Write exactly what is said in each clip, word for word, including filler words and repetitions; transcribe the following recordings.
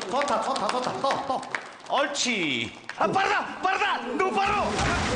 좋다 좋다 좋다 또 또. 옳지. 아 빠르다 빠르다 너무 빠르.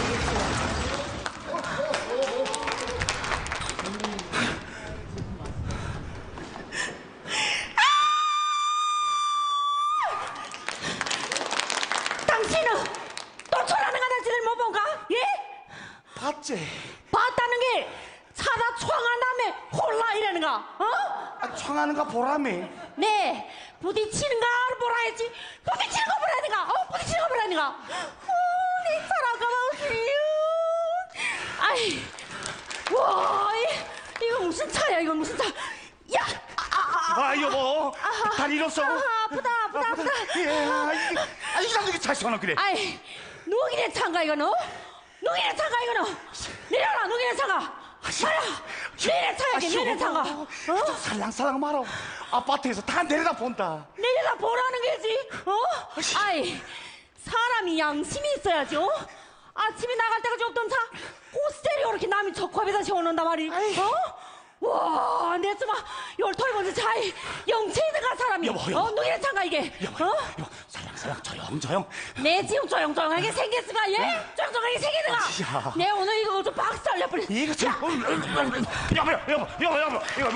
당신은 또 초라는 가다지를 못 본가? 예? 봤지. 봤다는 게 차다 총한 다음에 홀라 이러는가? 어? 아, 청하는가 보라매. 네, 부딪히는 거 보라 했지. 부딪히는 거 보라니까. 어, 부딪히는 거 보라니까. 어, 내 차라가 마우시요. 아이, 와, 이, 이거 무슨 차야? 이거 무슨 차? 야, 아, 아, 아, 아 여보 아, 다리 잃었어. 아, 아프다, 아프다, 아프다. 예, 아 이게 아 이게 이렇게 잘 시원하 그래. 아이, 누기네 차인가 이거는? 누기네 차가 이거는? 내려라, 누기네 차가. 말아, 내내 차야지, 내내 차가. 어? 살랑살랑 말어. 아파트에서 다 내려다 본다. 내려다 보라는 게지, 어? 아이, 사람이 양심이 있어야지, 어? 아침에 나갈 때가 없던 차, 고스테리오 이렇게 남이 적합에다 세워놓는단 말이, 어? 와, 내 정말 열털 번째 차에 영체이드가 사람이, 여보, 여보. 어? 누구의 차가 이게, 여보, 어? 여보, 살랑살랑 조용 조용. 내 지금 조용조용하게 생겼으가, 예? 조용조용하게 생기는가? 야. 내 오늘 이거 좀 박살 내버려. 이거 참. 여보 여보 여보 여보 여보 여보.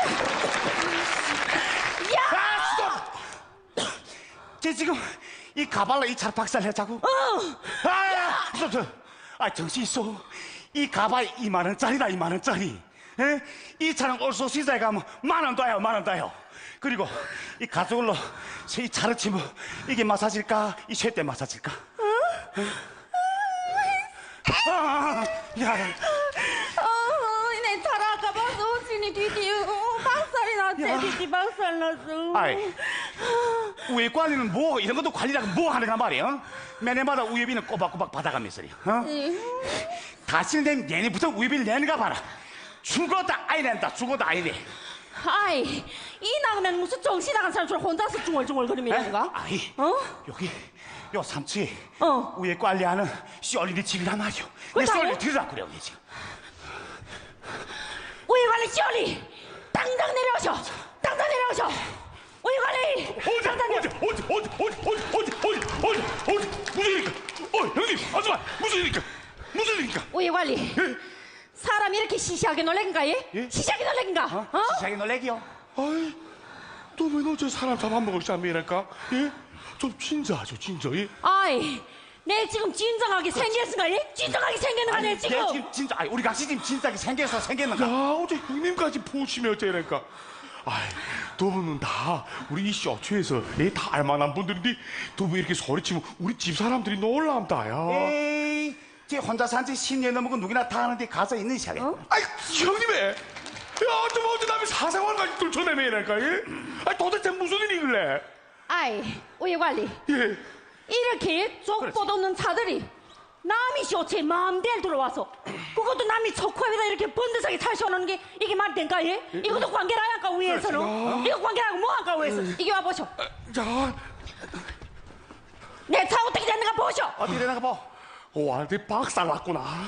야! 아 스톱. 쟤 지금 이 가발로 이 차를 박살내자고. 어! 아, 스톱 스톱. 아 정신 있어. 이 가발 이만 원짜리다 이만 원짜리. 에? 이 차는 올소 시장에 가면 만 원 더요 만 원 더요. 그리고 이 가죽으로 이 차를 치면 이게 마사질까 이 쇠대 마사질까? 응? 아, 야, 어, 내 차라 아까 봐서 오진이 뒤뒤 박살이 났지, 뒤뒤 박살 났어. 아이, 우회 관리는 뭐 이런 것도 관리라고 뭐 하는가 말이야? 매년마다 우회비는 꼬박꼬박 받아가면서요. 어? 다시는 되면 얘네부터 우회비를 내는가 봐라. 죽어다 아이 낸다. 죽어다 아이 내. 아이, 이 나가면 무슨 정신 나간 사람처럼 혼자서 중얼중얼거리면인가? 아이, 어? 여기 요 삼촌이 어. 우회 관리하는 시얼리네 집이란 말이오. 내 그렇다고? 시얼리 들으라 그래요, 얘 지금. 우리 관리 시원이 당장 내려오셔. 당장 내려오셔. 우리 관리 어디 당장 내려. 어디 어디 어디 어디 어디 어디 어디 어디 무슨 일입니까? 어 형님 아줌마 무슨 일입니까? 무슨 일입니까? 우리 관리 예? 사람이 이렇게 시시하게 놀래긴가 예? 예? 시시하게 놀래긴가? 어? 어? 시작이 놀래기요? 아이, 또 왜 너 저 사람 잡아먹을 쌈이랄까? 예? 좀 진짜하죠, 진짜. 예? 아이, 내 지금 진정하게 생겼은가 예? 진정하게 생겼는가 내 아니, 지금? 얘 지금 진짜 아니, 우리 각시 지금 진작에 생겨서 생겼는가? 야, 어제 형님까지 보시면 어쩌랄까? 아이, 두 분은 다 우리 이 쇼츠에서 얘다 알만한 분들인데 두 분 이렇게 소리치면 우리 집 사람들이 놀랍다, 야. 에이, 쟤 혼자 산지 십 년 넘은 건 누구나 다 아는데 가서 있는 시작에. 어? 아이, 형님의 야, 좀 어제 남의 사생활까지 뚫쳐내매랄까, 예? 아이, 도대체 무슨 일이길래? 아이, 우리 관리 예. 이렇게 족보도 없는 차들이 남이 쇼츠에 마음대로 들어와서 그것도 남이 척코에다 이렇게 번듯하게 탈 씌워놓는 게 이게 말이 된가 예? 이것도 관계라 할까 위에서는? 어? 이거 관계라고 뭐 할까 위에서? 이게 와보쇼. 자, 내 차 어떻게 됐는가 보쇼. 어디 되나가 봐. 완전히 박살났구나.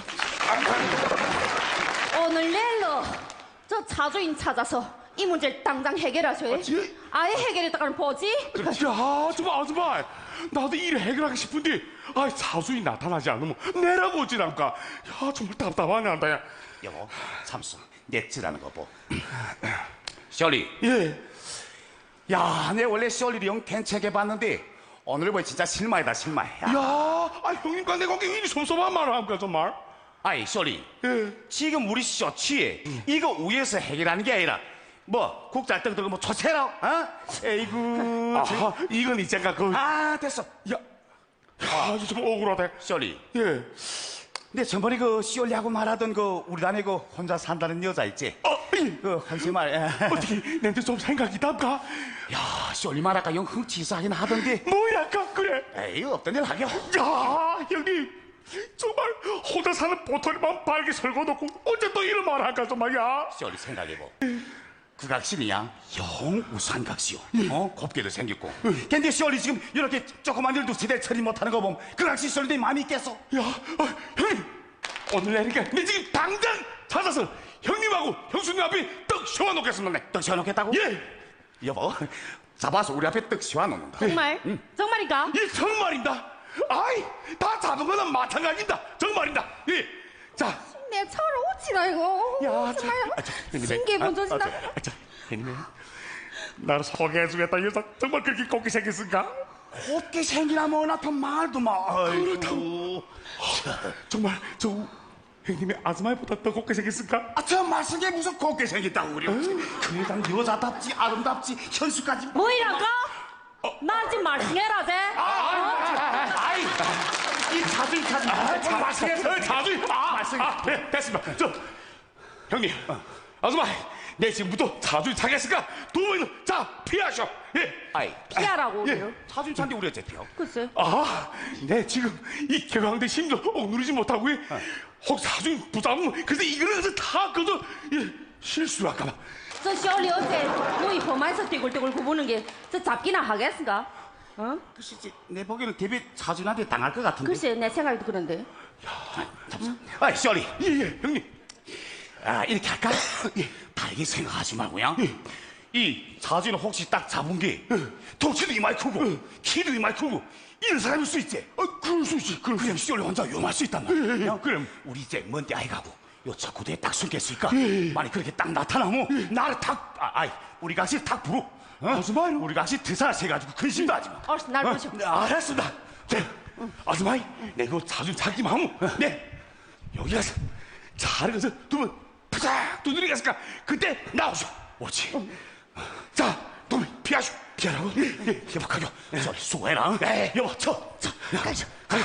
오늘 내일로 저 차주인 찾아서 이 문제를 당장 해결하셔. 예? 아예 해결했다가는 보지? 야, 정말 아줌마, 나도 일을 해결하고 싶은데, 아, 사수이 나타나지 않으면 내라고 어찌랄까? 야, 정말 답답하네, 한다, 야. 여보, 참수. 넷즈라는 거 보. 시얼리. 예. 야, 내 원래 시얼리를 영 괜찮게 봤는데 오늘 보니 진짜 실망이다 실망. 야. 야, 아, 형님과 내 관계 일이 섭섭한 말을 합니까, 정말? 아이 시얼리. 예. 지금 우리 쇼츠에 이거 위에서 해결하는 게 아니라 뭐 국자 떡떡 뭐 초세라. 어? 에이구. 아, 이건 이제가 그, 아 됐어. 야, 아, 이거 좀 억울하다. 시얼리. 예. 근데 전번에 그 시얼리하고 말하던 그 우리 단에 그 혼자 산다는 여자 있지? 어, 예. 그 한심말. 어떻게, 내한테 좀 생각이 답까? 야 시얼리 말할까 영 흥치사하긴 하던데. 뭐랄까, 그래? 에이 없던 일 하게. 야, 형님. 정말 혼자 사는 보털이만 발게 설거놓고 언제 또 이런 말 할까, 정말야? 시얼리 생각해보. 그 각신이야 영 우수한 각시요. 어 곱게도 생겼고. 근데 시얼리 지금 이렇게 조그만 일도 제대로 처리 못하는 거 보면 그 각시 시얼리 마음이 있겠어. 야, 어, 형님, 오늘 내니까 내 지금 당장 찾아서 형님하고 형수님 앞에 떡 세워놓겠습니다. 떡 세워놓겠다고? 예. 여보 잡아서 우리 앞에 떡 씌워놓는다. 정말? 정말인가? 이 정말입니다. 아이, 다 잡은 거는 마찬가지입니다. 정말입니다. 예. 자, 내 차를 오치라 이거. 야, 정말 아, 저, 형님의- 신기해 아, 본전이다. 아, 저, 아, 저, 형님의 나를 소개해주겠다. 이 녀석 정말 그렇게 곱게 생겼을까? 곱게 생기나 뭐나 또 말도 마. 그렇다고. 정말 저 형님의 아줌마보다 더 곱게 생겼을까? 아, 저 말씀에 무슨 곱게 생겼다고 우리. 그냥 여자답지 아름답지 현수까지. 뭐이랄까? 나 지금 말씀해라 제. 아이, 이 자주 자주. 아, 참 말씀했어요. 자주. 아, 말씀. 아, 네, 됐습니다. 저 형님, 아줌마, 내 지금부터 자주 자겠으니까 두 분은 자 피하셔. 예. 아이, 피하라고. 예. 자주 잔데 우리 어째 피어? 글쎄. 아, 네 지금 이 개강된 심도 억누르지 못하고 예. 혹 사중 부담 그래서 이거는 그래서 다 그저 예, 실수할까봐. 저 시월이 어째 너희 험해서 떼굴떼굴 구부는 게 저 잡기나 하겠습니까? 어? 글쎄, 내 보기에는 대비 자준한테 당할 것 같은데. 글쎄 내 생각도 그런데. 아이, 셔리. 예예 형님. 아, 이렇게 할까? 예, 다르게 생각하지 말고요. 이 자주는 혹시 딱 잡은 게 덩치도 이마이 크고 키도 이마이 크고 이런 사람일 수 있지. 아, 그럴 수 있지. 그럴 수 그냥 시월이 혼자 위험할 수 있단 말이야. 예, 예, 야, 그럼. 우리 이제 먼데 아이 가고 요 차 구대에 딱 숨겠으니까 예, 예. 만약 그렇게 딱 나타나면 나를 탁, 아, 아이, 우리 같이 탁 부르. 어? 아줌마요? 우리 같이 드살 세가지고 근심도 하지 마. 얼른 날 보셔. 네, 알았습니다. 네. 아줌마이, 내가 자주 자기만 하면, 네. 여기 가서 잘 가서 두분 푸작 두드리겠으니까 그때 나오쇼. 오지. 자, 두분 피하쇼. 피하라고? 예, 회복하죠. 셔리, 수고해라. 네. 여보, 쳐. 쳐. 가자. 가자.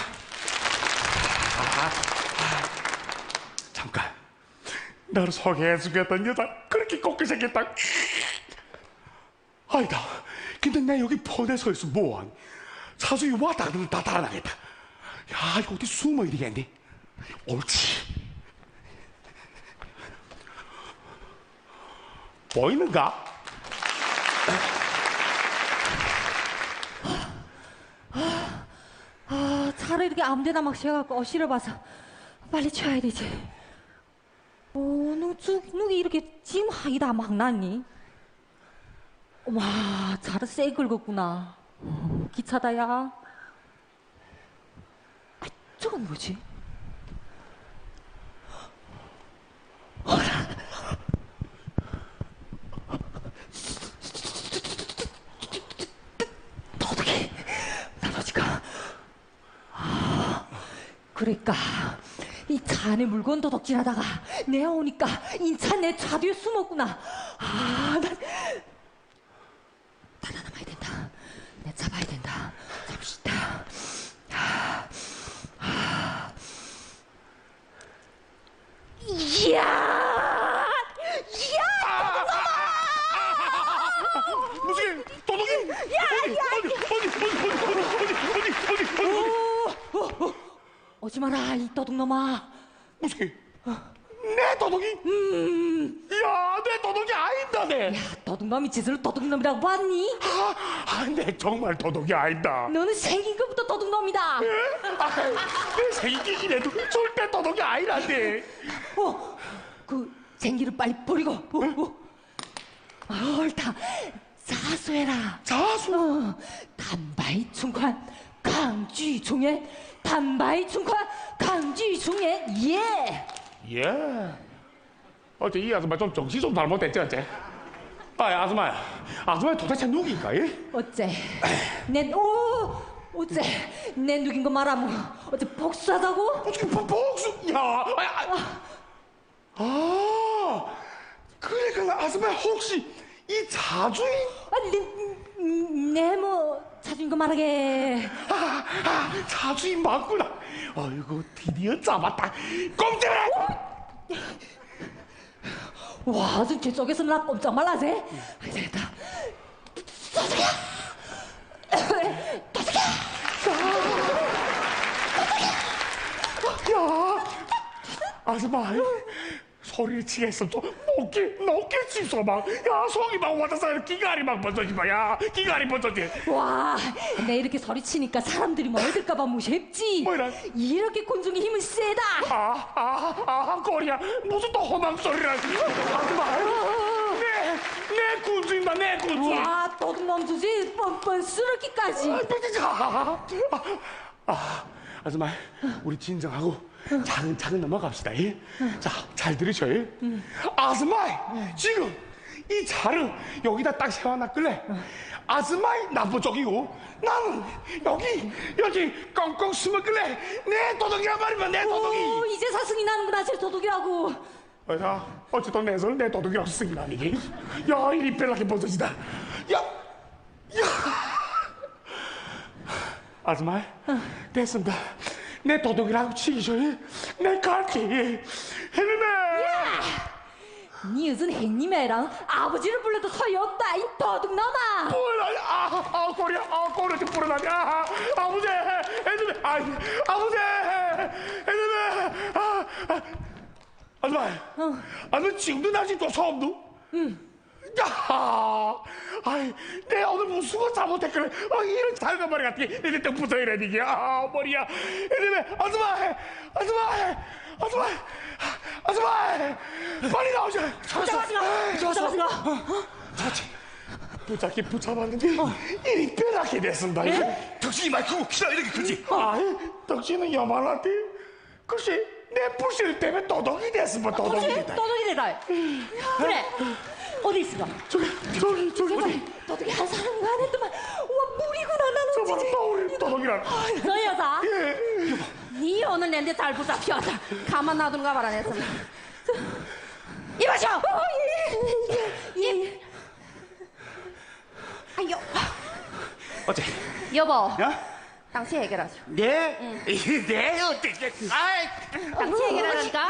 잠깐. 나를 소개해주겠다는 여자 그렇게 곱게 생겼다. 아니다. 근데 내 여기 번에 서 있어 뭐하니? 사수이 왔다 그러면 다 달아나겠다. 야, 이거 어디 숨어 이리겠니? 옳지. 보이는가? 아 차를 이렇게 아무데나 막 쉬어갖고 어시를 봐서 빨리 쳐야 되지. 어, 누, 주, 누기 이렇게 짐 하이다 막 났니? 와, 차를 세 긁었구나. 어, 기차다, 야. 아, 저건 뭐지? 도둑이 나머지가. 아, 그러니까. 이 차 안에 물건 도둑질하다가 내가 오니까 인차 내 차 뒤에 숨었구나. 아, 난 살아남아야 된다. 내 잡아야 된다. 잡시다. 아, 아. 이야, 이야, 무슨 도둑이? 어디, 어디, 어디, 어디, 어디, 어디, 어디, 어디, 어디, 어디, 오지 마라 이 도둑놈아. 무슨 내 도둑이? 음, 야, 내 도둑이 아니다, 내. 야, 도둑놈이 짓을 도둑놈이라고 봤니? 아, 아, 내 정말 도둑이 아니다. 너는 생긴 것부터 도둑놈이다. 아, 내 생기긴 해도 절대 도둑이 아니란데. 어, 그 쟁기를 빨리 버리고. 어, 어. 아, 옳다. 자수해라. 자수? 어, 단바이 충관 강쥐 중에 단바이 충관 강쥐 중에 예. 예. 어째 이 아줌마 좀 정신 좀 잘못됐지, 어째? 아, 아줌마야. 아줌마 도대체 누구인가, 예? 어째 내 오, 어째 내 누긴 거 말하면 어째 복수하다고? 어떻게 복- 복수? 야, 아, 아, 아, 그러니까 아줌마 혹시 이 자주인? 아니 내뭐 찾은 거 말하게. 아, 아, 자주인 맞구나. 아이고, 드디어 잡았다. 꼼짝마! 와, 진짜 저기서 나 꼼짝 말라세. 안 되겠다. 도둑이야! 도둑이야! 야, 아줌마, 소리를 치겠어. 또 높게, 높게 치소 막. 야, 속이 막 와닿아서 기가리 막 번져지 마. 야, 기가리 번져지. 와, 내 이렇게 소리치니까 사람들이 멀들까봐 무섭지. 뭐라? 이렇게 곤충의 힘은 세다. 아, 아, 아, 꼬리야. 무슨 또 험한 소리라. 아줌마, 내, 내 군주인다, 내 군주. 와, 도둑놈 주지 뻔뻔 쓰러기까지. 아, 아, 아줌마, 우리 진정하고 차근차근 넘어갑시다. 예? 자, 잘 들으셔요. 아줌마, 지금 이 차를 여기다 딱 세워놨길래 아줌마이 나쁜 쪽이고 나는 여기 여기 꽁꽁 숨었길래 내 도둑이란 말이면 내 도둑이. 오, 이제 사승이 나는구나, 제 도둑이라고. 자, 어쨌든 내 손은 내 도둑이라고 쓰긴 아니기. 야, 이리 별나게 벗어지다. 야, 야. 아줌마, 됐습니다. 내 도둑이라고 치기죠. 내 갈게. 해내네. 니 요즘 햇님애랑 아버지를 불러도 소용없다, 이 도둑놈아. 뭐라, 아, 아, 꼬리, 아, 꼬리 좀 불어나냐. 아, 아버지, 해내네. 아, 아버지, 해내네. 아, 아. 아줌마, 어. 아, 너 지금도 나지 또 소음도? 응. 야, 아이, 내 오늘 무슨 거 잘못했길래, 아, 이런 작은 머리 같은 게, 이제 또 붙어이래, 이게. 아, 머리야. 이러면, 아줌마, 아줌마, 아줌마, 아줌마, 빨리 나오자. 잡았으가, 잡았으가. 자치, 붙잡기 붙잡았는데, 이리 빼랗게 됐습니다. 이게. 당신이 말 크고 키가 이렇게 크지? 아이, 덕지는 요만한데, 글쎄, 내 불실 때문에 도둑이 됐으면 도둑이 도둑이, 됐다. 도둑이 되다. 그래, 어디 있어? 저기, 저기, 저기, 어디? 도둑이 한 사람이 안 했더만. 우와, 물이구나, 나는 저 봐라, 진짜. 우리 도둑이란. 너 여자? 예. 니 오늘 내한테 잘 붙잡혔다. 가만 놔두는가 봐라, 내 손. 이봐쇼! 어, 예, 예, 예. 아유, 어째? 여보, 야? 당시 해결하죠. 네? 네, 어떻게? 아이, 당시 해결하니까?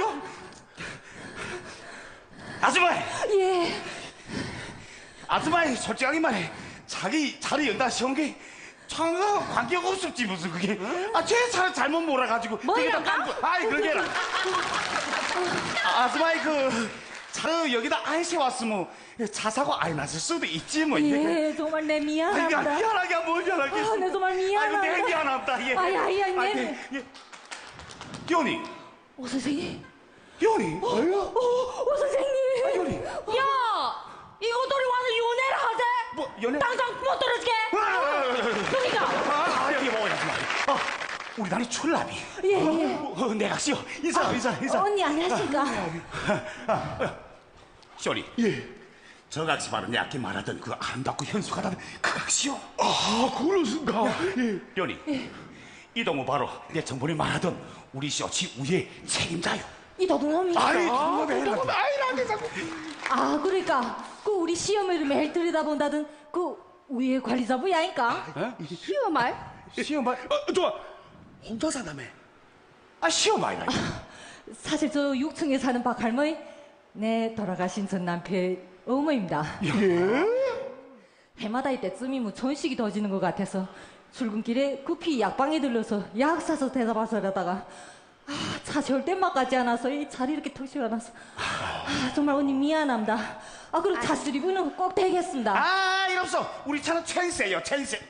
아줌마, 예. 아줌마, 솔직하게 말해. 자기 차를 연다 시온 게 전혀 관계가 없었지 무슨 그게. 아, 제 차를 잘못 몰아가지고. 뭐야, 깐 거. 아이, 그러게라. 아, 아줌마이 그 차를 여기다 안 세웠으면 차 사고 아예 났을 수도 있지 뭐. 예, 정말 내 아이고, 미안합니다. 미안하게 뭘 미안하겠어. 아, 내 정말 미안합니다. 아이고, 내 미안합니다. 예. 아이, 아이, 아이, 아이, 네. 예, 예. 연이, 오, 선생님. 연이. 오, 오, 선생님. 아, 연이. 야, 이거 돌이 와서 연애를 하재? 뭐, 연애? 당장 못 떨어지게. 그러니까. 아, 아, 여기 뭐야, 아줌마. 아, 우리 나리 출납이. 예, 예. 어, 어, 내가 씨요. 인사, 인사, 인사. 언니 안녕하십니까? 쇼리. 예. 저 각시 바로 내 아까 말하던 그 아름답고 현숙하다는 그 각시요. 아, 그렇습니까? 예. 연이. 이 동무 바로 내 정본이 말하던 우리 쇼치 우의 책임자요. 이 도둑놈이. 아이, 아, 정말 조금 아이라게 자꾸. 아, 그러니까 그 우리 시어머니를 매일 들여다본다던 그 위에 관리자분이 아닐까? 시어말? 시어말. 어, 좋아. 혼자 산다며. 아, 시어말이라. 사실 저 육 층에 사는 박 할머니 내 돌아가신 전 남편 어머입니다. 예? 해마다 이때쯤이면 전식이 더지는 것 같아서 출근길에 급히 약방에 들러서 약 사서 대답하서 이러다가 아, 차 세울 때만까지 않아서 이 차를 이렇게 턱시고 안아서 아, 정말 언니 미안합니다. 아, 그리고 차 수리비는 꼭 되겠습니다. 아, 일 없어. 우리 차는 천세요, 천세.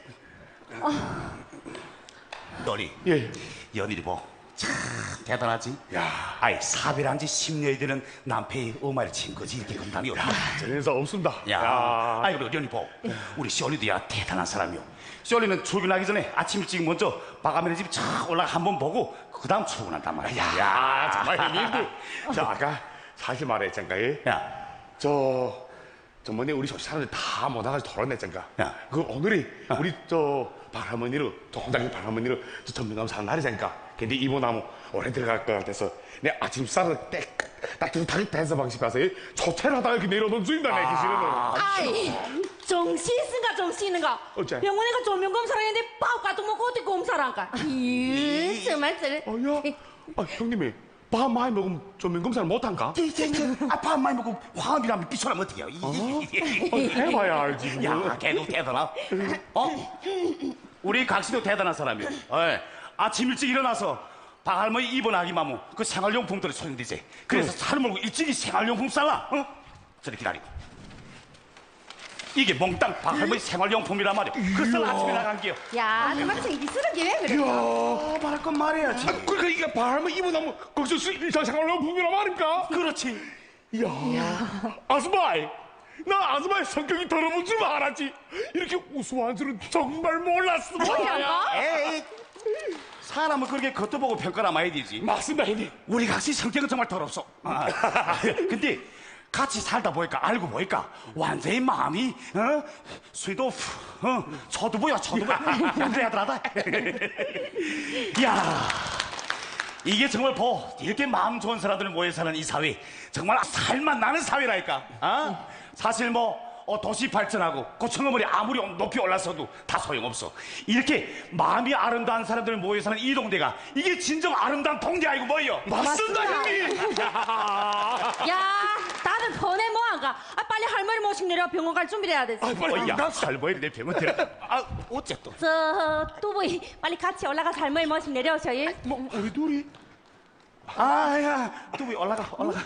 너리. 예. 연일이 뭐. 참 대단하지. 야. 아이, 사별한 지 십 년이 되는 남편의 엄마를 친 거지 이렇게 건담이 없다. 전에서 없습니다. 야, 아이 그리고 연이 보, 우리 쇼리도 야 대단한 사람이요. 쇼리는 출근하기 전에 아침 일찍 먼저 바가면의 집 쫙 올라가 한번 보고 그 다음 출근한단 말이야. 야, 정말 형님들. 저 아까 사실 말했잖가. 예? 야, 저, 저 뭐니 우리 조시 사람들 다 모나가지고 털어냈잖가. 야. 그 오늘이 우리 저 박할머니로, 저 혼자기 박할머니로 저 전명감 사는 날이잖까. 근데 이모나무 오래 들어갈 것 같아서 내 아침 쌀을 딱 따뜻하게 대서 방식 가서 초채를 하다가 이렇게 내려놓은 주인다 내 기시는. 아이, 정신 있은가 정신 있는가? 어째? 병원에 가 조명 검사를 했는데 밥 같은 거 먹고 어떻게 검사를 할까? 이 정말 들. 어야? 아, 형님이 밥 많이 먹으면 좀 검사를 못한가? 아빠 많이 먹고 화음이라면 비춰나면 어떡해요? 어, 해봐야 알지. 야, 걔도 대단하. 어? 우리 각시도 대단한 사람이요. 어이, 아침 일찍 일어나서 박할머니 입원하기만 하면 그 생활용품들이 소용되지. 그래서 차를 몰고 일찍이 생활용품 싸라. 어? 저리 기다리고. 이게 몽땅 박할머니 생활용품이란 말이야. 그래서 아침에 나간 게요. 야, 정말 정기스럽게 왜 그래? 어, 말할 건 말해야지. 아, 그러니까 이게 바람을 입어나면 거기서 일상생활로 분이란 말입니까? 그렇지. 이야, 아스마이, 나 아줌마의 성격이 더러운 줄 알았지. 이렇게 우스워한 줄은 정말 몰랐어. 뭐야? 에이, 사람은 그렇게 겉도 보고 평가를 해야 되지. 맞습니다, 형님. 우리 각시 성격은 정말 더럽소. 아, 근데 같이 살다 보니까 알고 보니까 완전히 마음이 어? 수도 어? 초두부야 초두부. 완전히 하더라다. 야, 이게 정말 보 이렇게 마음 좋은 사람들 모여 사는 이 사회 정말 살만 나는 사회라니까. 아? 사실 뭐 어, 도시 발전하고 고층건물이 아무리 높이 올라서도 다 소용없어. 이렇게 마음이 아름다운 사람들 모여 사는 이 동네가 이게 진정 아름다운 동네 아니고 뭐예요? 맞습니다, 형님. 야, 다들 번에 뭐 안 가? 아, 빨리 할머니 모시고 내려 병원 갈 준비를 해야 되지. 아, 빨리 어, 야, 가. 할머니 내 병원 데려가. 아, 어째 또? 저 뚜부이 빨리 같이 올라가서 할머니 모시고 내려오셔. 예? 뭐 우리 둘이? 아, 야, 뚜비 올라가, 올라가.